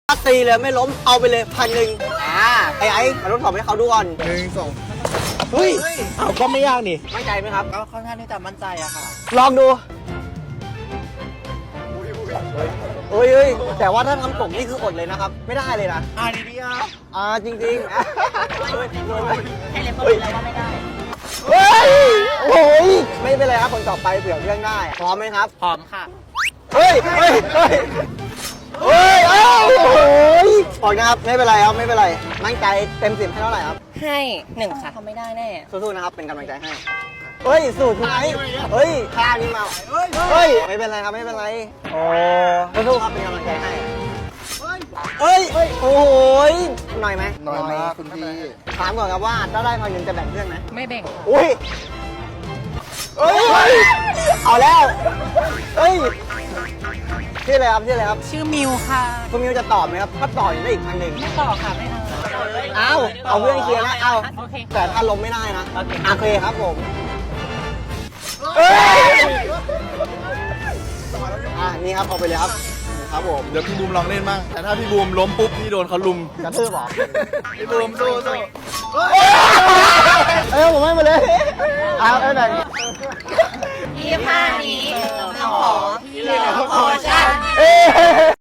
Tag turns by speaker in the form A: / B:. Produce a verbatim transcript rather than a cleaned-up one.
A: ถ้าตีเลยไม่ล้มเอาไปเลยพันหนึ่งอ่าไอ้ไอ้มาทดสอบให้เขาดูก่อน
B: หนึ่งสอง
A: เฮ้ย
B: อ้าวก็ไม่ยากนี่
A: มั่นใจไหมครับ
C: ก็ค่อนข้างที่จะมั่นใจอะค่ะ
A: ลองดูเฮ้ยเฮ้ยแต่ว่าถ้าทำตกนี่คืออดเลยนะครับ ไม่ได้เลยนะ
C: อ่าดีดีอ่ะ
A: อ่าจริงๆอ่ะ
C: ให้เล็บก็รู้แล้วว่าไม่ได้
A: เฮ้ยโอ้ยไม่เป็นไรครับคนต่อไปเผื่อเรื่องได้พร้อมไหมครับ
C: พร้อมค่ะ
A: เฮ้ยเฮ้ยเฮ้ยเฮ้ยเอ้าโอ้ยออกนะครับไม่เป็นไรครับไม่เป็นไรมั่นใจเต็มสิบให้เท่าไหร่ครับ
C: ให้หนึ่งค่ะทำไม่ได้แน่
A: สู้ๆนะครับเป็นกำลังใจให้เฮ้ยสูตรคุณไอ้เฮ้ยท่านี้มาเฮ้ยไม่เป็นไรครับไม่เป็นไรโอ้สู้ๆครับเป็นกำลังใจให้เฮ้ยโอ้โหหน่อยไหม
B: หน่อยมากคุณพี่
A: ถามก่อนครับว่าถ้าได้พันหนึ่งจะแบ่งเพื่อนไหม
C: ไม่แบ่ง
A: อุ้ยเฮ้ยเอาแล้วเฮ้ยชื่ออะไรครับชื่ออะไรครับ
C: ชื่อมิวค่ะ
A: คุณมิวจะตอบไหมครับถ้าตอบได้อีกพันหนึ่ง
C: ไม่ต่อค่ะไม่เอา
A: เอาเอาเพื่อนเคลียร์นะเอา
C: โอเค
A: แต่ถ้าล้มไม่ได้นะ
C: โอเค
A: โอเคครับผมเอ้ยอ่ะนี่ครับเอาไปเลยครับครับผม
B: เดี๋ยวพี่บูมลองเล่นบ้างแต่ถ้าพี่บูมล้มปุ๊บนี่โดนเขาลุม
A: กระทืบเหรอ
B: พี่บูมสู้สู้
A: เอ้ยผมให้มาเลยเอาเอาไหน
C: ยี่ห้านี้เราขอพี่เหลือขอฉัน
A: เอ้ย